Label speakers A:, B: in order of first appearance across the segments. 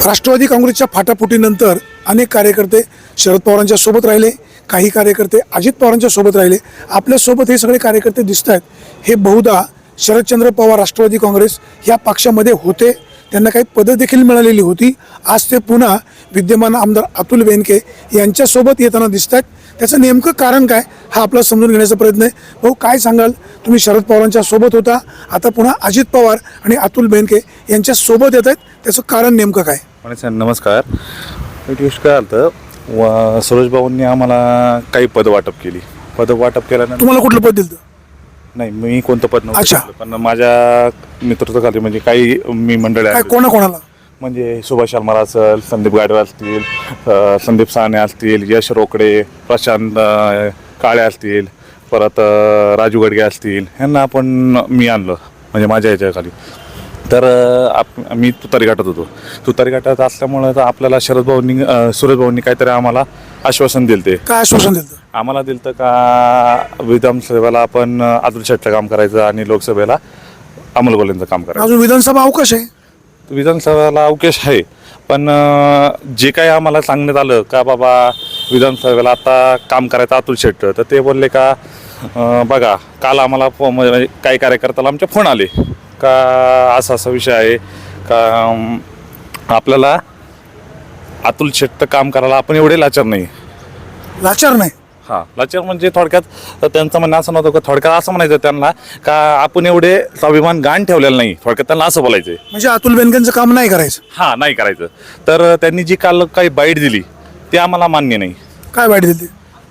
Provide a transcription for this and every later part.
A: राष्ट्रवादी काँग्रेसच्या फाटाफुटीनंतर अनेक कार्यकर्ते शरद पवारांच्या सोबत राहिले, काही कार्यकर्ते अजित पवारांच्या सोबत राहिले. आपल्यासोबत हे सगळे कार्यकर्ते दिसत आहेत. हे बहुधा शरदचंद्र पवार राष्ट्रवादी काँग्रेस या पक्षामध्ये होते, त्यांना काही पदं देखील मिळालेली होती. आज ते पुन्हा विद्यमान आमदार अतुल बेनके यांच्यासोबत येताना दिसत आहेत. त्याचं नेमकं कारण काय हा आपला समजून घेण्याचा प्रयत्न आहे. भाऊ, काय सांगाल? तुम्ही शरद पवारांच्या सोबत होता, आता पुन्हा अजित पवार आणि अतुल बेनके यांच्या सोबत येत आहेत, त्याचं कारण नेमकं काय?
B: नमस्कार. एक गोष्ट काय आलं, सुरेश भाऊंनी आम्हाला काही पद वाटप केल्यानंतर
A: तुम्हाला कुठलं पद दिलं?
B: नाही, मी कोणतं पद
A: अच्छा.
B: नव्हतं, पण माझ्या नेतृत्वाखाली म्हणजे काही मी मंडळी
A: काय
B: आहेत.
A: कोणाला?
B: म्हणजे सुभाष शर्मा असेल, संदीप गाडवे असतील, संदीप साने असतील, यश रोकडे, प्रशांत काळे असतील, परत राजू गडगे असतील, ह्यांना आपण मी आणलं म्हणजे माझ्या ह्याच्याखाली. तर मी तुतारी घाटात होतो. तुतारी घाटात असल्यामुळं तर आपल्याला सुरेश भाऊंनी काहीतरी आम्हाला आश्वासन दिलं. ते
A: काय आश्वासन दिलं?
B: आम्हाला दिलं का विधानसभेला आपण अतुल शेटचं काम करायचं आणि लोकसभेला अमोल कोल्हेंचं काम करायचं.
A: अजून विधानसभा अवकाश आहे.
B: विधानसभेला अवकाश आहे, पण जे काही आम्हाला सांगण्यात आलं का बाबा विधानसभेला आता काम करायचं अतुल शेट, तर ते बोलले का बघा, काल आम्हाला म्हणजे काही कार्यकर्त्याला आमचे फोन आले का असा विषय आहे का आपल्याला अतुल शेटचं काम करायला आपण एवढे लाचार नाही.
A: लाचार नाही?
B: हां, लाचार म्हणजे थोडक्यात त्यांचं म्हणणं असं नव्हतं का, थोडक्यात असं म्हणायचं त्यांना का आपण एवढे स्वाभिमान गाण ठेवलेलं नाही, थोडक्यात त्यांना असं बोलायचं.
A: म्हणजे अतुल बेनकेंचं काम नाही करायचं?
B: हां, नाही करायचं. तर त्यांनी जी काल काही बाईट दिली ते आम्हाला मान्य नाही.
A: काय वाईट दिली?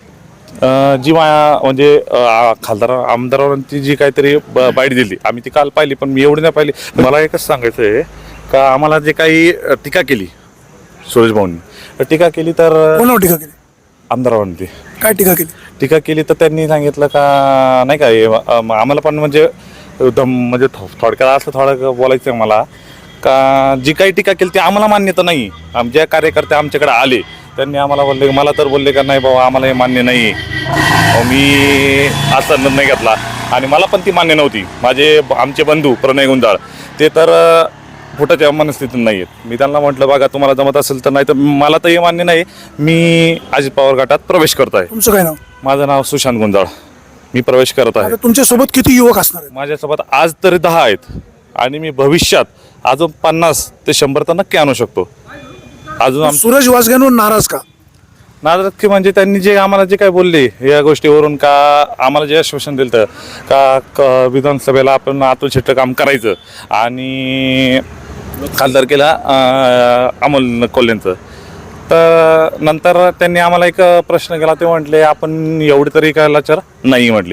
B: जी म्हणजे खासदार आमदारांची जी काहीतरी बाईट दिली, आम्ही ती काल पाहिली, पण मी एवढी नाही पाहिली. मला एकच सांगायचं आहे का आम्हाला जे काही टीका केली सुरेश भाऊंनी, टीका केली तर
A: कोणावर टीका केली?
B: आमदारांवरती
A: काय टीका केली?
B: तर त्यांनी सांगितलं का नाही का आम्हाला पण म्हणजे म्हणजे थोडक्यात असं थोडं बोलायचं आहे मला का जी काही टीका केली ती आम्हाला मान्यता नाही. ज्या कार्यकर्ते आमच्याकडे आले त्यांनी आम्हाला बोलले, मला तर बोलले का नाही बाबा आम्हाला हे मान्य नाही. मी असा निर्णय घेतला आणि मला पण ती मान्य नव्हती. आमचे बंधू प्रणय गुंजाळ ते तर फुटाच्या मनस्थितीत नाही आहेत. मी त्यांना म्हटलं बघा तुम्हाला जमत असेल तर, नाही तर मला तर हे मान्य नाही. मी अजित पवार गटात प्रवेश करत आहे.
A: तुमचं काय नाव?
B: माझं नाव सुशांत गुंजाळ. मी प्रवेश करत आहे.
A: तुमच्यासोबत किती युवक असणार आहेत?
B: माझ्यासोबत आज तरी 10 आहेत आणि मी भविष्यात अजून 50 ते 100 तर नक्की आणू शकतो. अजून
A: सूरज वासग्यांवर नाराज का?
B: नाराज म्हणजे त्यांनी जे आम्हाला जे काय बोलले या गोष्टीवरून का आम्हाला जे आश्वासन दिलं का विधानसभेला आपण अतुल शेटचं काम करायचं आणि खासदारकीला अमोल कोल्हेंचं. तर नंतर त्यांनी आम्हाला एक प्रश्न केला. ते म्हटले आपण एवढी तरी काय लाचार नाही म्हटले.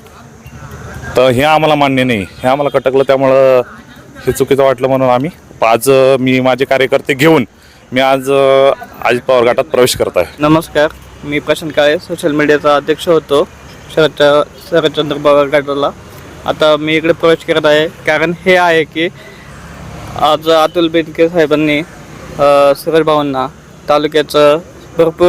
B: तर हे आम्हाला मान्य नाही, हे आम्हाला खटकलं. त्यामुळं हे चुकीचं वाटलं म्हणून आम्ही आज मी माझे कार्यकर्ते घेऊन मी आज अजित पवार गटात प्रवेश करत आहे.
C: नमस्कार, मी प्रशांत काळे, सोशल मीडियाचा अध्यक्ष होतो शरदचंद्र पवार गटाला. आता मी इकडे प्रवेश करत आहे कारण हे आहे की आज अतुल बेनके साहेबांनी सुरेश भाऊंना तालुक्याचं भरपूर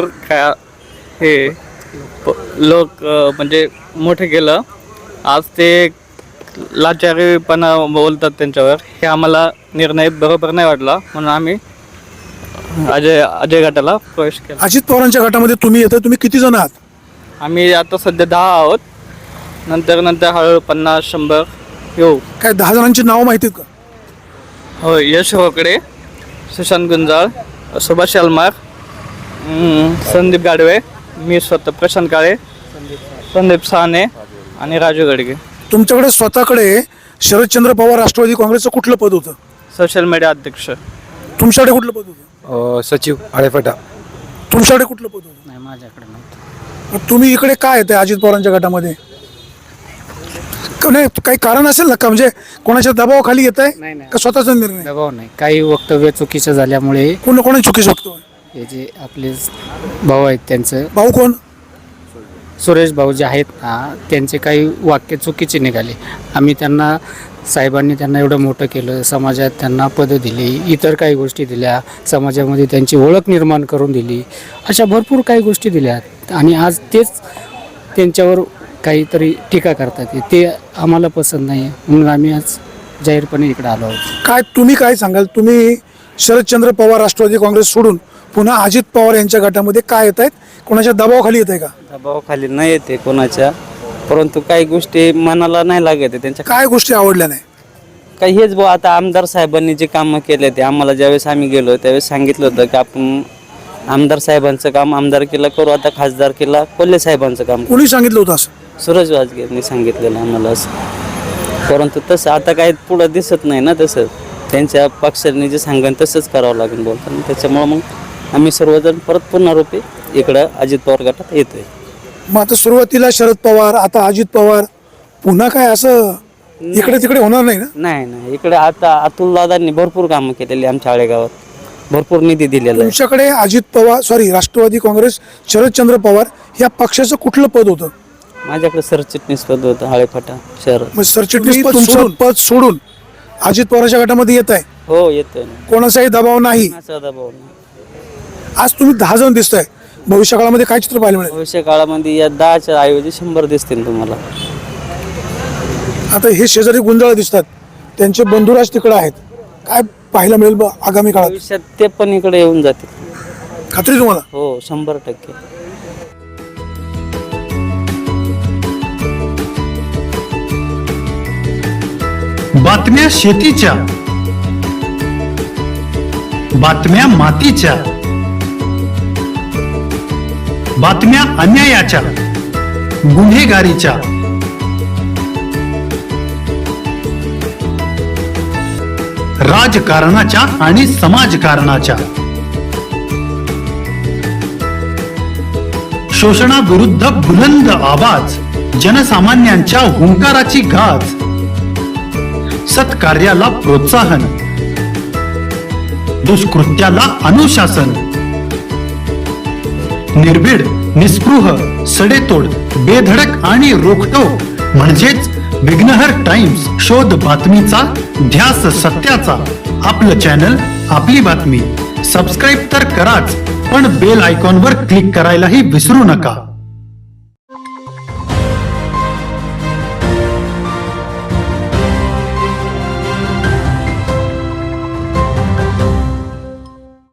C: हे लोक म्हणजे मोठे केलं. आज ते लाचारीपणा बोलतात त्यांच्यावर, हे आम्हाला निर्णय बरोबर नाही वाटला म्हणून आम्ही अजय गटाला प्रवेश केला.
A: अजित पवारांच्या गटामध्ये तुम्ही येता, तुम्ही किती जण आहात?
C: आम्ही आता सध्या 10 आहोत. नंतर हळूहळू 50-100 येऊ.
A: काय 10 जणांची नावं माहिती आहेत का?
C: हो, यश रोकडे, सुशांत गुंजाळ, सुभाष शर्मा, संदीप गाडवे, मी स्वतः प्रशांत काळे, संदीप साने आणि राजू गडगे.
A: तुमच्याकडे स्वतःकडे शरदचंद्र पवार राष्ट्रवादी काँग्रेसचं कुठलं पद होतं?
C: सोशल मीडिया अध्यक्ष.
A: तुमच्याकडे कुठलं पद होतं?
D: सचिव आळेफाटा.
A: तुमच्याकडे कुठलं पद होतं?
C: नाही, माझ्याकडे नव्हतं.
A: मग तुम्ही इकडे काय येते अजित पवारांच्या गटामध्ये? नाही, काही कारण असेल ना का? म्हणजे कोणाच्या दबावाखाली येत आहे का स्वतःचा निर्णय?
D: दबाव नाही, काही वक्तव्य चुकीचं झाल्यामुळे
A: कोणी चुकी शकतो?
D: हे जे आपले भाऊ आहेत त्यांचं,
A: भाऊ कोण?
D: सुरेश भाऊ जे आहेत ना, त्यांचे काही वाक्य चुकीचे निघाले. आम्ही साहेबांनी त्यांना एवढं मोठं केलं, समाजात त्यांना पदं दिली, इतर काही गोष्टी दिल्या, समाजामध्ये त्यांची ओळख निर्माण करून दिली, अशा भरपूर काही गोष्टी दिल्या. आणि आज तेच त्यांच्यावर काहीतरी टीका करतात, ते आम्हाला पसंत नाही म्हणून आम्ही आज जाहीरपणे इकडे आलो आहोत.
A: तुम्ही काय सांगाल? तुम्ही शरदचंद्र पवार राष्ट्रवादी काँग्रेस सोडून पुन्हा अजित पवार यांच्या गटामध्ये काय येत आहेत, कोणाच्या दबावाखाली येत आहे का?
E: दबावाखाली नाही येते कोणाच्या, परंतु काही गोष्टी मनाला नाही लागत आहे त्यांच्या.
A: काय गोष्टी आवडल्या नाही?
E: काही हेच भाऊ, आता आमदार साहेबांनी जे कामं केले ते आम्हाला ज्यावेळेस आम्ही गेलो त्यावेळेस सांगितलं होतं की आपण आमदार साहेबांचं काम आमदारकीला करू, आता खासदारकीला कोल्हे साहेबांचं काम करू.
A: कोणी सांगितलं होतं असं?
E: सूरज वाजगेंनी सांगितलेलं आम्हाला असं, परंतु तसं आता काही पुढं दिसत नाही ना. तसं त्यांच्या पक्षाने जे सांगेन तसंच करावं लागेल बोलताना. त्याच्यामुळं मग आम्ही सर्वजण परत पुन्हा रूपी इकडं अजित पवार गटात येतोय.
A: मग आता सुरुवातीला शरद पवार, आता अजित पवार, पुन्हा काय असं इकडे तिकडे होणार नाही ना?
E: नाही, इकडे आता अतुल दादांनी भरपूर कामं केलेली आमच्या आळेगावात, भरपूर निधी दिलेला आहे.
A: तुमच्याकडे अजित पवार राष्ट्रवादी काँग्रेस शरदचंद्र पवार या पक्षाचं कुठलं पद होतं?
E: माझ्याकडे सरचिटणीस पद होतं हाळेफाटा शहरात.
A: मग सरचिटणीस पद सोडून अजित पवारच्या गटामध्ये येत आहे,
E: हो येतोय ना,
A: कोणाचाही दबाव नाही.
E: कोणाचा दबाव नाही.
A: आज तुम्ही 10 जण दिसताय, भविष्य काळामध्ये काय चित्र पाहायला मिळेल?
E: भविष्य काळामध्ये या 10च्या ऐवजी 100 दिसतील तुम्हाला.
A: आता हे शेजारी गुंजाळ दिसतात, त्यांचे बंधुराज तिकडे आहेत, काय पाहायला मिळेल आगामी काळात?
E: भविष्यात ते पण इकडे येऊन जातील.
A: खात्री तुम्हाला?
E: हो 100%.
F: बातम्या शेतीच्या, बातम्या मातीच्या, बातम्या अन्यायाच्या, गुन्हेगारीच्या, राजकारणाच्या आणि समाजकारणाच्या, शोषणाविरुद्ध बुलंद आवाज, जनसामान्यांच्या हुंकाराची गाज, सत्कार्याला प्रोत्साहन, दुष्कृत्याला अनुशासन, निर्भीड, निस्पृह, सडेतोड, बेधडक आणि रोखठोक म्हणजेच विघ्नहर टाइम्स. शोध बातमीचा, ध्यास सत्याचा. आपलं चॅनल, आपली बातमी. सबस्क्राईब तर कराच, पण बेल आयकॉनवर क्लिक करायलाही विसरू नका.